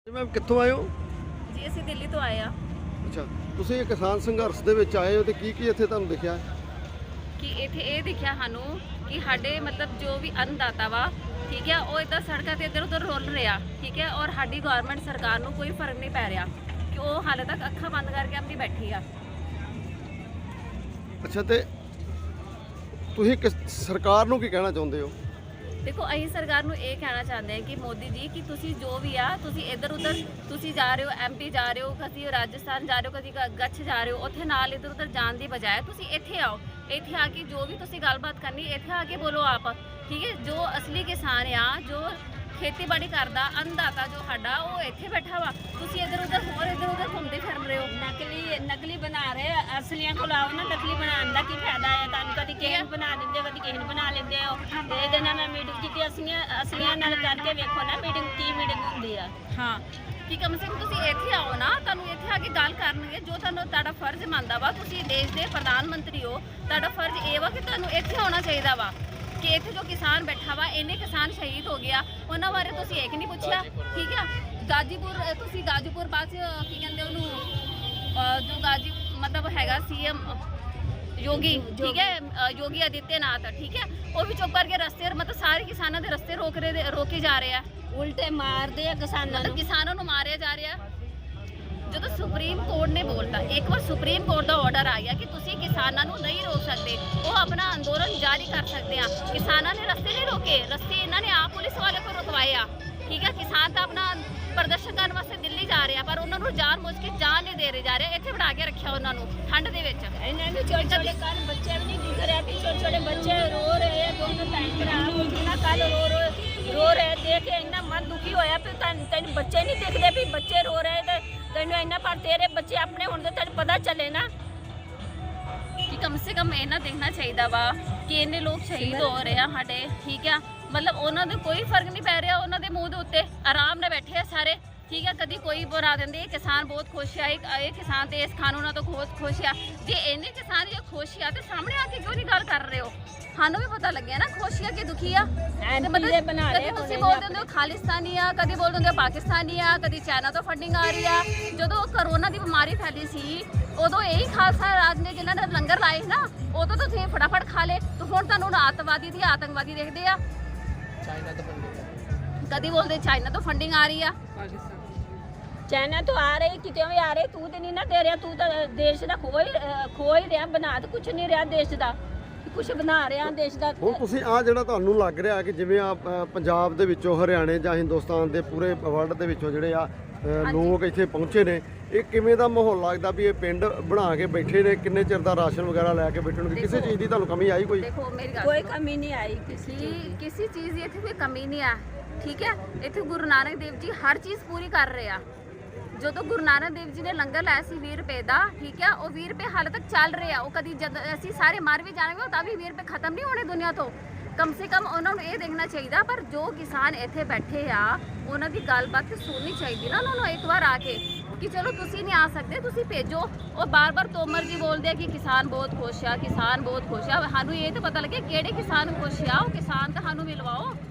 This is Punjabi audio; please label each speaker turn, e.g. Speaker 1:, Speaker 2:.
Speaker 1: ਜੀ ਮੈਮ ਕਿੱਥੋਂ ਆਏ ਹੋ?
Speaker 2: ਜੀ ਅਸੀਂ ਦਿੱਲੀ ਤੋਂ ਆਏ ਆ
Speaker 1: ਅੱਛਾ, ਤੁਸੀਂ ਇਹ ਕਿਸਾਨ ਸੰਘਰਸ਼ ਦੇ ਵਿੱਚ ਆਏ ਹੋ ਤੇ ਕੀ ਇੱਥੇ ਤੁਹਾਨੂੰ ਦਿਖਿਆ?
Speaker 2: ਕਿ ਇੱਥੇ ਇਹ ਦਿਖਿਆ ਸਾਨੂੰ ਕਿ ਸਾਡੇ ਮਤਲਬ ਜੋ ਵੀ ਅੰਨਦਾਤਾ ਵਾ ਠੀਕ ਹੈ ਉਹ ਇੱਦਾਂ ਸੜਕਾਂ ਤੇ ਇੱਧਰ ਉੱਧਰ ਰੁਲ ਰਿਹਾ ਠੀਕ ਹੈ ਔਰ ਸਾਡੀ ਗਵਰਨਮੈਂਟ ਸਰਕਾਰ ਨੂੰ ਕੋਈ ਫਰਕ ਨਹੀਂ ਪੈ ਰਿਹਾ ਕਿ ਉਹ ਹਾਲੇ ਤੱਕ ਅੱਖਾਂ ਬੰਦ ਕਰਕੇ ਆਪਣੀ ਬੈਠੀ ਆ।
Speaker 1: ਅੱਛਾ, ਤੇ ਤੁਸੀਂ ਸਰਕਾਰ ਨੂੰ ਕੀ ਕਹਿਣਾ ਚਾਹੁੰਦੇ ਹੋ?
Speaker 2: ਦੇਖੋ ਅਸੀਂ ਸਰਕਾਰ ਨੂੰ ਇਹ ਕਹਿਣਾ ਚਾਹੁੰਦੇ ਹਾਂ ਕਿ ਮੋਦੀ ਜੀ ਕਿ ਤੁਸੀਂ ਜੋ ਵੀ ਆ ਤੁਸੀਂ ਇੱਧਰ ਉੱਧਰ ਤੁਸੀਂ ਜਾ ਰਹੇ ਹੋ ਐਮਪੀ ਜਾ ਰਹੇ ਹੋ ਕਦੀ ਰਾਜਸਥਾਨ ਜਾ ਰਹੇ ਹੋ ਕਦੀ ਗੱਛ ਜਾ ਰਹੇ ਹੋ ਉੱਥੇ ਨਾਲ ਇੱਧਰ ਉੱਧਰ ਜਾਣ ਦੀ ਬਜਾਏ ਤੁਸੀਂ ਇੱਥੇ ਆਓ। ਇੱਥੇ ਆ ਕੇ ਜੋ ਵੀ ਤੁਸੀਂ ਗੱਲਬਾਤ ਕਰਨੀ ਇੱਥੇ ਆ ਕੇ ਬੋਲੋ ਆਪ ਠੀਕ ਹੈ। ਜੋ ਅਸਲੀ ਕਿਸਾਨ ਆ ਜੋ ਖੇਤੀਬਾੜੀ ਕਰਦਾ ਅੰਨਦਾਤਾ ਜੋ ਸਾਡਾ ਉਹ ਇੱਥੇ ਬੈਠਾ ਵਾ ਤੁਸੀਂ ਇੱਧਰ ਉੱਧਰ ਘੁੰਮਦੇ ਫਿਰ ਰਹੇ ਹੋ।
Speaker 3: ਨਕਲੀ ਬਣਾ ਰਹੇ ਅਸਲੀਆਂ ਕੋਲ ਆਓ ਨਾ। ਨਕਲੀ ਬਣਾਉਣ ਦਾ ਕੀ ਫਾਇਦਾ ਹੈ ਤੁਹਾਨੂੰ? ਕਦੀ ਕਿਸੇ ਨੂੰ ਬਣਾ ਦਿੰਦੇ ਹੋ ਕਦੀ ਕਿਸੇ ਨੂੰ ਬਣਾ ਲੈਂਦੇ ਹੋ। ਤੇ ਇਹਦੇ ਨਾਲ ਮੈਂ ਮੀਟਿੰਗ ਕੀਤੀ ਅਸਲੀਆਂ ਨਾਲ ਕਰਕੇ ਵੇਖੋ ਨਾ ਮੀਟਿੰਗ ਕੀ ਮੀਟਿੰਗ ਹੁੰਦੀ ਆ।
Speaker 2: ਹਾਂ ਕਿ ਕਮ ਸੇ ਕਮ ਤੁਸੀਂ ਇੱਥੇ ਆਓ ਨਾ ਤੁਹਾਨੂੰ ਇੱਥੇ ਆ ਕੇ ਗੱਲ ਕਰਨਗੇ ਜੋ ਤੁਹਾਨੂੰ ਤੁਹਾਡਾ ਫਰਜ਼ ਮੰਨਦਾ ਵਾ। ਤੁਸੀਂ ਦੇਸ਼ ਦੇ ਪ੍ਰਧਾਨ ਮੰਤਰੀ ਹੋ ਤੁਹਾਡਾ ਫਰਜ਼ ਇਹ ਵਾ ਕਿ ਤੁਹਾਨੂੰ ਇੱਥੇ ਆਉਣਾ ਚਾਹੀਦਾ ਵਾ ਕਿ ਇੱਥੇ ਜੋ ਕਿਸਾਨ ਬੈਠਾ ਵਾ ਇੰਨੇ ਕਿਸਾਨ ਸ਼ਹੀਦ ਹੋ ਗਿਆ ਉਹਨਾਂ ਬਾਰੇ ਤੁਸੀਂ ਇੱਕ ਨਹੀਂ ਪੁੱਛਿਆ ਠੀਕ ਆ। ਗਾਜੀਪੁਰ ਤੁਸੀਂ ਗਾਜੀਪੁਰ ਬਾਅਦ ਕੀ ਕਹਿੰਦੇ ਉਹਨੂੰ ਜੋ ਮਤਲਬ ਹੈਗਾ ਸੀਐਮ ਯੋਗੀ ਠੀਕ ਹੈ ਯੋਗੀ ਆਦਿੱਤਿਆਨਾਥ ਠੀਕ ਹੈ ਉਹ ਵੀ ਚੁੱਪ ਕਰਕੇ ਰਸਤੇ ਮਤਲਬ ਸਾਰੇ ਕਿਸਾਨਾਂ ਦੇ ਰਸਤੇ ਰੋਕੇ ਜਾ ਰਹੇ ਆ।
Speaker 3: ਉਲਟੇ ਮਾਰਦੇ ਆ
Speaker 2: ਕਿਸਾਨਾਂ ਨੂੰ ਮਾਰਿਆ ਜਾ ਰਿਹਾ। ਜਦੋਂ ਸੁਪਰੀਮ ਕੋਰਟ ਨੇ ਬੋਲਤਾ ਇੱਕ ਵਾਰ ਸੁਪਰੀਮ ਕੋਰਟ ਦਾ ਆਰਡਰ ਆ ਗਿਆ ਕਿ ਤੁਸੀਂ ਕਿਸਾਨਾਂ ਨੂੰ ਨਹੀਂ ਰੋਕ ਸਕਦੇ ਉਹ ਆਪਣਾ ਅੰਦੋਲਨ ਜਾਰੀ ਕਰ ਸਕਦੇ ਆ। ਕਿਸਾਨਾਂ ਨੇ ਰਸਤੇ ਨਹੀਂ ਰੋਕੇ ਰਸਤੇ ਇਹਨਾਂ ਨੇ ਆਪ ਪੁਲਿਸ ਵਾਲੇ ਕੋਲ ਰੁਕਵਾਏ ਆ ਠੀਕ ਹੈ। ਕਿਸਾਨ ਤਾਂ ਆਪਣਾ ਪ੍ਰਦਰਸ਼ਨ ਕਰਨ ਵਾਸਤੇ ਦਿੱਲੀ ਜਾ ਰਹੇ ਆ ਪਰ ਉਹਨਾਂ ਨੂੰ ਜਾਨ ਮੁੱਝ ਕੇ ਜਾਨ ਨਹੀਂ ਦੇ ਰਹੇ ਜਾ ਰਹੇ ਇੱਥੇ ਬਿਠਾ ਕੇ ਰੱਖਿਆ ਉਹਨਾਂ ਨੂੰ ਠੰਡ ਦੇ ਵਿੱਚ।
Speaker 3: ਇਹਨਾਂ ਨੂੰ ਛੋਟੇ ਛੋਟੇ ਕੱਲ ਬੱਚੇ ਵੀ ਨਹੀਂ ਦਿਖ ਰਹੇ ਕਿ ਛੋਟੇ ਛੋਟੇ ਬੱਚੇ ਰੋ ਰਹੇ ਆ ਦੋਨੋਂ ਭੈਣ ਭਰਾ ਉਹਨਾਂ ਕੱਲ ਰੋ ਰਹੇ ਦੇਖ ਕੇ ਇੰਨਾ ਮਨ ਦੁਖੀ ਹੋਇਆ ਵੀ ਤੈਨੂੰ ਬੱਚੇ ਨਹੀਂ ਦਿਖਦੇ ਵੀ ਬੱਚੇ ਰੋ ਰਹੇ ਤੇ ਤੈਨੂੰ ਇੰਨਾ ਪਰ ਤੇਰੇ ਬੱਚੇ ਆਪਣੇ ਹੁਣ ਤੇ ਤੈਨੂੰ ਪਤਾ ਚੱਲੇ ਨਾ
Speaker 2: ਕਿ ਕਮ ਸੇ ਕਮ ਇਹਨਾਂ ਦੇਖਣਾ ਚਾਹੀਦਾ ਵਾ ਕਿ ਇੰਨੇ ਲੋਕ ਸ਼ਹੀਦ ਹੋ ਰਹੇ ਆ ਸਾਡੇ ਠੀਕ ਆ। ਮਤਲਬ ਉਹਨਾਂ ਦੇ ਕੋਈ ਫਰਕ ਨਹੀਂ ਪੈ ਰਿਹਾ ਉਹਨਾਂ ਦੇ ਮੂੰਹ ਦੇ ਉੱਤੇ ਆਰਾਮ ਨਾਲ ਬੈਠੇ ਆ ਸਾਰੇ ਠੀਕ ਆ। ਕਦੀ ਕੋਈ ਬਣਾ ਦਿੰਦੇ ਇਹ ਕਿਸਾਨ ਬਹੁਤ ਖੁਸ਼ ਆ ਇਹ ਕਿਸਾਨ ਤੇ ਇਸ ਕਾਨੂੰਨਾਂ ਤੋਂ ਬਹੁਤ ਖੁਸ਼ ਆ। ਜੇ ਇੰਨੇ ਕਿਸਾਨ ਜੇ ਖੁਸ਼ ਆ ਤੇ ਸਾਹਮਣੇ ਆ ਕੇ ਕਿਉਂ ਨਹੀਂ ਗੱਲ ਕਰ ਰਹੇ ਹੋ? ਸਾਨੂੰ ਵੀ ਪਤਾ ਲੱਗਿਆ ਨਾ ਖੁਸ਼ ਆ ਕਿ ਦੁਖੀ ਆ। ਕਦੀ ਤੁਸੀਂ ਬੋਲਦੇ ਹੁੰਦੇ ਹੋ ਖਾਲਿਸਤਾਨੀ ਆ ਕਦੀ ਬੋਲਦੇ ਹੁੰਦੇ ਹੋ ਪਾਕਿਸਤਾਨੀ ਆ ਕਦੀ ਚਾਈਨਾ ਤੋਂ ਫੰਡਿੰਗ ਆ ਰਹੀ ਆ। ਜਦੋਂ ਕਰੋਨਾ ਦੀ ਬਿਮਾਰੀ ਫੈਲੀ ਸੀ ਉਦੋਂ ਇਹੀ ਖਾਲਸਾ ਰਾਜ ਨੇ ਜਿਨ੍ਹਾਂ ਨੇ ਲੰਗਰ ਲਾਏ ਨਾ ਉਦੋਂ ਤਾਂ ਤੁਸੀਂ ਫਟਾਫਟ ਖਾ ਲੇ ਤੇ ਹੁਣ ਤੁਹਾਨੂੰ ਆਤੰਕਵਾਦੀ ਦੀ ਆਤੰਕਵਾਦੀ ਦੇਖਦੇ ਆ। ਕਦੀ ਬੋਲਦੇ ਚਾਈਨਾ ਤੋਂ ਫੰਡਿੰਗ ਆ ਰਹੀ ਆ
Speaker 3: ਚਾਈਨਾ ਤੋਂ ਆ ਰਹੀ ਕਿਤੇ ਵੀ ਆ ਰਹੀ ਤੂੰ ਤੇ ਨਹੀਂ ਨਾ ਦੇ ਰਿਹਾ। ਤੂੰ ਤਾਂ ਦੇਸ਼ ਦਾ ਖੋ ਹੀ ਰਿਹਾ ਬਣਾ ਤੇ ਕੁਛ ਨਹੀਂ ਰਿਹਾ ਦੇਸ਼ ਦਾ ਕੁਛ ਬਣਾ ਰਿਹਾ ਦੇਸ਼ ਦਾ।
Speaker 1: ਹੁਣ ਤੁਸੀਂ ਆ ਜਿਹੜਾ ਤੁਹਾਨੂੰ ਲੱਗ ਰਿਹਾ ਕਿ ਜਿਵੇਂ ਆ ਪੰਜਾਬ ਦੇ ਵਿੱਚੋਂ ਹਰਿਆਣੇ ਜਾਂ ਹਿੰਦੁਸਤਾਨ ਦੇ ਪੂਰੇ ਵਰਲਡ ਦੇ ਵਿੱਚੋਂ ਜਿਹੜੇ ਆ ਲੋਕ ਇੱਥੇ ਪਹੁੰਚੇ ਨੇ ਇਹ ਕਿਵੇਂ ਦਾ ਮਾਹੌਲ ਲੱਗਦਾ ਵੀ ਇਹ ਪਿੰਡ ਬਣਾ ਕੇ ਬੈਠੇ ਨੇ? ਕਿੰਨੇ ਚਿਰ ਦਾ ਰਾਸ਼ਨ ਵਗੈਰਾ ਲੈ ਕੇ ਬੈਠਣਗੇ? ਕਿਸੇ ਚੀਜ਼ ਦੀ ਤੁਹਾਨੂੰ ਕਮੀ ਆਈ ਕੋਈ?
Speaker 2: ਦੇਖੋ ਮੇਰੀ ਗੱਲ
Speaker 3: ਕੋਈ ਕਮੀ ਨਹੀਂ ਆਈ
Speaker 2: ਕਿਸੇ ਚੀਜ਼ ਦੀ ਇੱਥੇ ਕੋਈ ਕਮੀ ਨਹੀਂ ਆ ਠੀਕ ਹੈ। ਇੱਥੇ ਗੁਰੂ ਨਾਨਕ ਦੇਵ ਜੀ ਹਰ ਚੀਜ਼ ਪੂਰੀ ਕਰ ਰਹੇ ਆ। ਜਦੋਂ ਗੁਰੂ ਨਾਨਕ ਦੇਵ ਜੀ ਨੇ ਲੰਗਰ ਲਾਇਆ ਸੀ 20 ਰੁਪਏ ਦਾ ਠੀਕ ਹੈ ਉਹ 20 ਰੁਪਏ ਹਾਲੇ ਤੱਕ ਚੱਲ ਰਹੇ ਆ। ਉਹ ਕਦੀ ਜਦ ਅਸੀਂ ਸਾਰੇ ਮਰ ਵੀ ਜਾਣਗੇ ਤਾਂ ਵੀ 20 ਰੁਪਏ ਖਤਮ ਨਹੀਂ ਹੋਣੇ ਦੁਨੀਆ ਤੋਂ। ਕਮ ਸੇ ਕਮ ਉਹਨਾਂ ਨੂੰ ਇਹ ਦੇਖਣਾ ਚਾਹੀਦਾ ਪਰ ਜੋ ਕਿਸਾਨ ਇੱਥੇ ਬੈਠੇ ਆ ਉਹਨਾਂ ਦੀ ਗੱਲਬਾਤ ਸੁਣਨੀ ਚਾਹੀਦੀ ਨਾ ਉਹਨਾਂ ਨੂੰ ਇੱਕ ਵਾਰ ਆ ਕੇ ਕਿ ਚਲੋ ਤੁਸੀਂ ਨਹੀਂ ਆ ਸਕਦੇ ਤੁਸੀਂ ਭੇਜੋ। ਉਹ ਬਾਰ-ਬਾਰ ਤੋਮਰ ਜੀ ਬੋਲਦੇ ਆ ਕਿ ਕਿਸਾਨ ਬਹੁਤ ਖੁਸ਼ ਆ ਕਿਸਾਨ ਬਹੁਤ ਖੁਸ਼ ਆ। ਸਾਨੂੰ ਇਹ ਤਾਂ ਪਤਾ ਲੱਗੇ ਕਿਹੜੇ ਕਿਸਾਨ ਖੁਸ਼ ਆ ਉਹ ਕਿਸਾਨ ਤਾਂ ਸਾਨੂੰ ਮਿਲਵਾਓ।